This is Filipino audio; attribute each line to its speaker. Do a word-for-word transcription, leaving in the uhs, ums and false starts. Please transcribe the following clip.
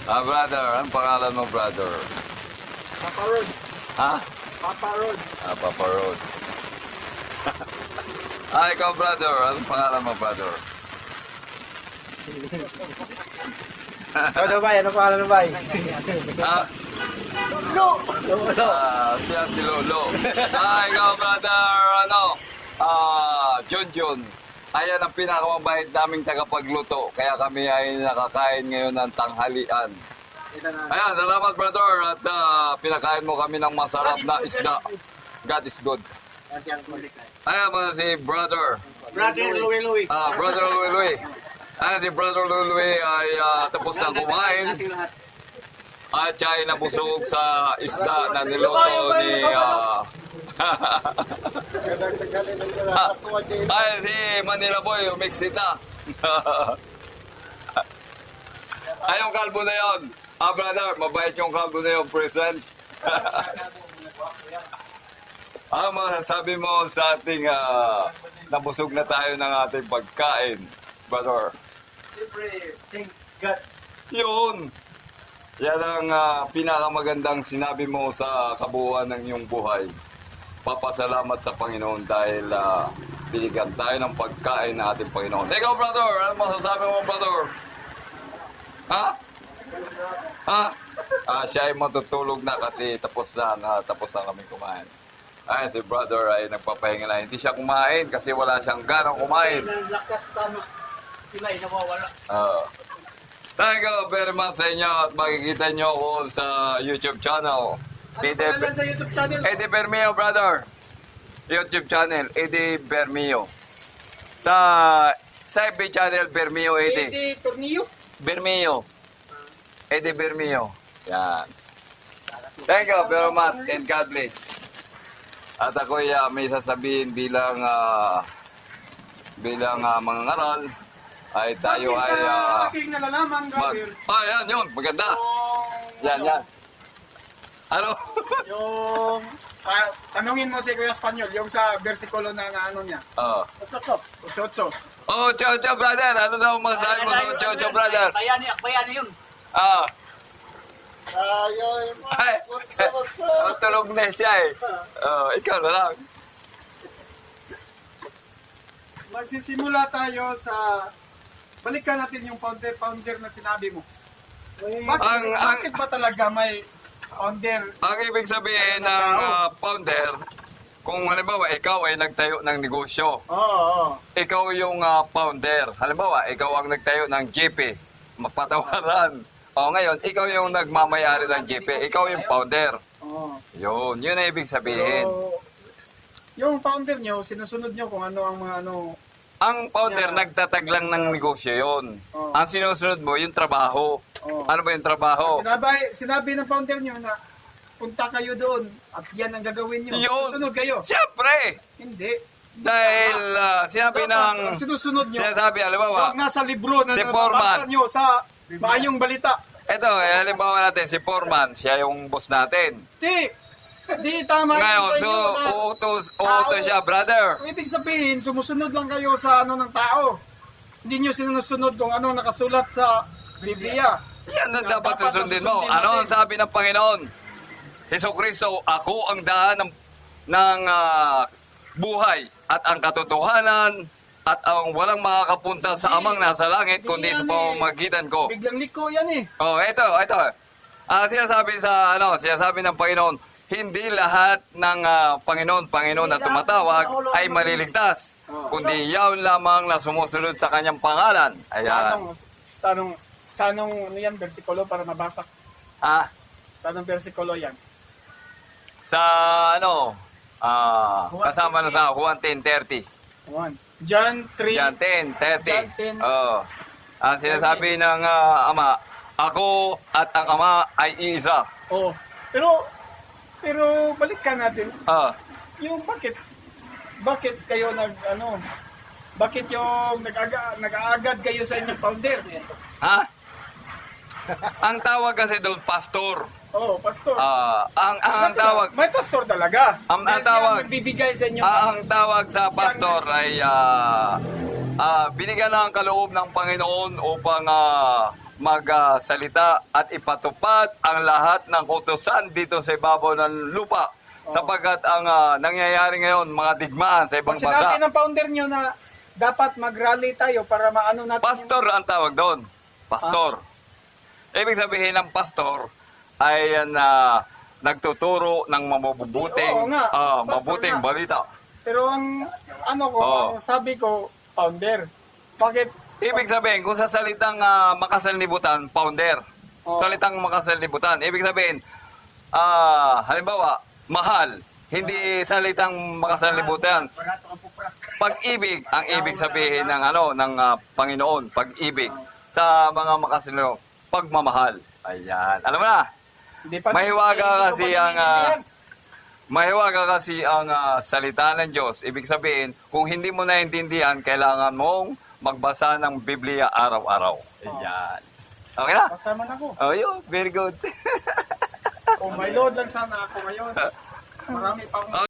Speaker 1: Ah, brother, anong pangalan mo, brother?
Speaker 2: Papa Rod.
Speaker 1: Ha?
Speaker 2: Papa Rod.
Speaker 1: Ah, Papa Rod. Ah, ikaw, brother, anong pangalan mo, brother?
Speaker 2: Ano ba? Ano pa? Ano ba?
Speaker 1: Ah,
Speaker 2: No!
Speaker 1: ah, siya si Lolo. Ah, ikaw, brother, ano? Ah, Junjun. Ayan ang pinakamabait naming tagapagluto. Kaya kami ay nakakain ngayon ng tanghalian. Ayan, salamat, brother. At ah, pinakain mo kami ng masarap na isda. God is good. Ayan mga si brother.
Speaker 2: Brother Louie Louie.
Speaker 1: Ah, brother Louie Louie. Ayan si brother Louie Louie ay ah, tapos na kumain. At siya ay nabusog sa isda na niluto ni... ah, ay, si Manila Boy, umiksita. Ay, yung kalbo na yun. Ah, brother, mabait yung kalbo na yun, present. Ano masasabi mo sa ating ah, nabusog na tayo ng ating pagkain, brother?
Speaker 2: Siyempre, thank God.
Speaker 1: Yun! Yan ang ah, pinakamagandang sinabi mo sa kabuuan ng iyong buhay. Papasalamat sa Panginoon dahil uh, binigyan tayo ng pagkain ng ating Panginoon. Ikaw, brother, ano masasabi mo, brother? Ha? Ha? Ah, siya ay matutulog na kasi tapos na, na tapos na kami kumain. Ay, si brother ay nagpapahinga na. Hindi siya kumain kasi wala siyang ganang kumain.
Speaker 2: Lakas tama. Sila ay nawawala.
Speaker 1: Uh, thank you very much sa inyo at makikita nyo ako sa YouTube channel.
Speaker 2: Ano pangalan sa YouTube channel?
Speaker 1: Eddie Bermeo, brother. YouTube channel, Eddie Bermeo. Sa sa F B channel, Bermeo Eddie.
Speaker 2: Eddie Tornillo.
Speaker 1: Bermeo. Eddie Bermeo. Yan. Thank you very much and God bless. At ako uh, may sasabihin bilang uh, bilang uh, mga ngaral ay tayo
Speaker 2: Kasi
Speaker 1: ay
Speaker 2: sa
Speaker 1: uh,
Speaker 2: aking nalalaman,
Speaker 1: mag...
Speaker 2: brother,
Speaker 1: Ah, yan, yun. Maganda.
Speaker 2: yung,
Speaker 1: Yan, yan. Ano?
Speaker 2: yung, ah, tanungin mo si Kuya Espanyol, yung sa versikulo na, na ano niya.
Speaker 1: Oh.
Speaker 2: Usotso.
Speaker 1: Oh, Chow Chow brother. Ano daw masasabi mo sa Chow Chow brother?
Speaker 3: Bayani, bayani yun.
Speaker 1: Ah.
Speaker 2: Ayun.
Speaker 1: Ay. Oh, tulog na siya eh. Oh, ikaw na lang.
Speaker 2: Magsisimula tayo sa, balikan natin yung founder-founder na sinabi mo. Bakit,
Speaker 1: Ang- ang-
Speaker 2: bakit ba talaga may founder?
Speaker 1: Ang ibig sabihin ng ah, founder, kung halimbawa ikaw ay nagtayo ng negosyo,
Speaker 2: Oo, oo.
Speaker 1: ikaw yung ah, founder. Halimbawa, ikaw ang nagtayo ng G P, mapatawaran. O ngayon, ikaw yung nagmamayari ng G P, ikaw yung founder.
Speaker 2: oo.
Speaker 1: Yun, yun ang ibig sabihin.
Speaker 2: Pero, yung founder nyo, sinusunod nyo kung ano ang mga ano.
Speaker 1: Ang founder,
Speaker 2: Yeah.
Speaker 1: nagtatag lang ng negosyo yun.
Speaker 2: Oh.
Speaker 1: Ang sinusunod mo, yung trabaho.
Speaker 2: Oh.
Speaker 1: Ano ba yung trabaho?
Speaker 2: Sinabi, sinabi ng founder nyo na punta kayo doon at yan ang gagawin nyo.
Speaker 1: Yun.
Speaker 2: Susunod kayo.
Speaker 1: Siyempre!
Speaker 2: Hindi.
Speaker 1: Dahil ah, sinabi
Speaker 2: Dapat,
Speaker 1: ng...
Speaker 2: ang sinusunod nyo,
Speaker 1: Sinasabi, halimbawa,
Speaker 2: yung nasa libro na
Speaker 1: si
Speaker 2: nababasa
Speaker 1: Foreman.
Speaker 2: nyo sa maayong balita.
Speaker 1: Ito, eh, halimbawa natin, si Foreman, siya yung boss natin.
Speaker 2: Di, di tama yun
Speaker 1: Ngayon,
Speaker 2: sa
Speaker 1: so,
Speaker 2: inyo na
Speaker 1: uutos, uutos siya, brother.
Speaker 2: ang ibig sabihin, sumusunod lang kayo sa ano ng tao. Hindi nyo sinusunod kung ano nakasulat sa Biblia.
Speaker 1: Yan ang
Speaker 2: Dapat
Speaker 1: dapat susundin mo.
Speaker 2: susundin
Speaker 1: Ano ang
Speaker 2: natin.
Speaker 1: sabi ng Panginoon? Heso Kristo, ako ang daan ng, ng ah, buhay at ang katotohanan at ang walang makakapunta sa amang nasa langit kundi sa pamamagitan ko.
Speaker 2: Biglang liko yan eh.
Speaker 1: Oh, ito, ito. Ah, sinasabi sa ano, sinasabi ng Panginoon, hindi lahat ng ah, Panginoon, Panginoon na tumatawag ay maliligtas, kundi yaon lamang na sumusunod sa kanyang pangalan.
Speaker 2: Sa
Speaker 1: Ayan.
Speaker 2: anong, sa anong, sa anong, ano yan, versikulo para mabasa?
Speaker 1: Ah,
Speaker 2: Sa anong versikulo yan?
Speaker 1: sa ano, ah, kasama na sa Juan ten thirty.
Speaker 2: One. John three.
Speaker 1: John ten thirty.
Speaker 2: John ten.
Speaker 1: Oh. Ang sinasabi ng ah, Ama, ako at ang Ama ay iisa.
Speaker 2: Oh. Pero, pero balikan natin.
Speaker 1: Ah,
Speaker 2: Yung bakit, bakit kayo nag, ano, bakit yung nag-aga, nag-aagad kayo sa inyong founder?
Speaker 1: ha? Ang tawag kasi doon, pastor.
Speaker 2: Oh, pastor.
Speaker 1: Ah, ang, ang, ang tawag,
Speaker 2: May pastor talaga.
Speaker 1: Ang- ang
Speaker 2: Dahil siya
Speaker 1: tawag-
Speaker 2: nagbibigay sa inyo.
Speaker 1: ah, ang tawag sa pastor ay ah, ah, binigyan ng kaloob ng Panginoon upang ah, magsalita at ipatupad ang lahat ng utusan dito sa ibabaw ng lupa.
Speaker 2: Oo.
Speaker 1: Sapagkat ang ah, nangyayari ngayon, mga digmaan sa ibang
Speaker 2: Pag sinabi
Speaker 1: bansa.
Speaker 2: ng founder nyo na dapat mag-rally tayo para maano natin
Speaker 1: Pastor ang tawag doon. Pastor. Ibig sabihin ng pastor ay yan na nagtuturo ng mabubuting,
Speaker 2: Oo nga,
Speaker 1: ah,
Speaker 2: pastor
Speaker 1: mabuting
Speaker 2: nga.
Speaker 1: balita.
Speaker 2: Pero ang ano ko,
Speaker 1: Oo.
Speaker 2: ang sabi ko, founder. Bakit?
Speaker 1: Ibig sabihin, kung sa salitang ah, makasalnibutan, founder.
Speaker 2: Oo.
Speaker 1: Salitang makasalnibutan. Ibig sabihin, ah, halimbawa, mahal. Hindi salitang makasalnibutan. Pag-ibig ang ibig sabihin ng ano ng ah, Panginoon, pag-ibig sa mga makasalnibutan, pagmamahal. Ayan. Alam mo na,
Speaker 2: Hindi pa,
Speaker 1: mahiwaga
Speaker 2: hindi ko
Speaker 1: kasi
Speaker 2: pa
Speaker 1: ang ah,
Speaker 2: naiintindihan.
Speaker 1: mahiwaga kasi ang ah, salita ng Diyos. Ibig sabihin, kung hindi mo naintindihan, kailangan mong magbasa ng Biblia araw-araw. Ayan. Okay na?
Speaker 2: Kasama na ko.
Speaker 1: Oh, yun. Very good.
Speaker 2: Kung may load lang sana ako ngayon. Marami pa akong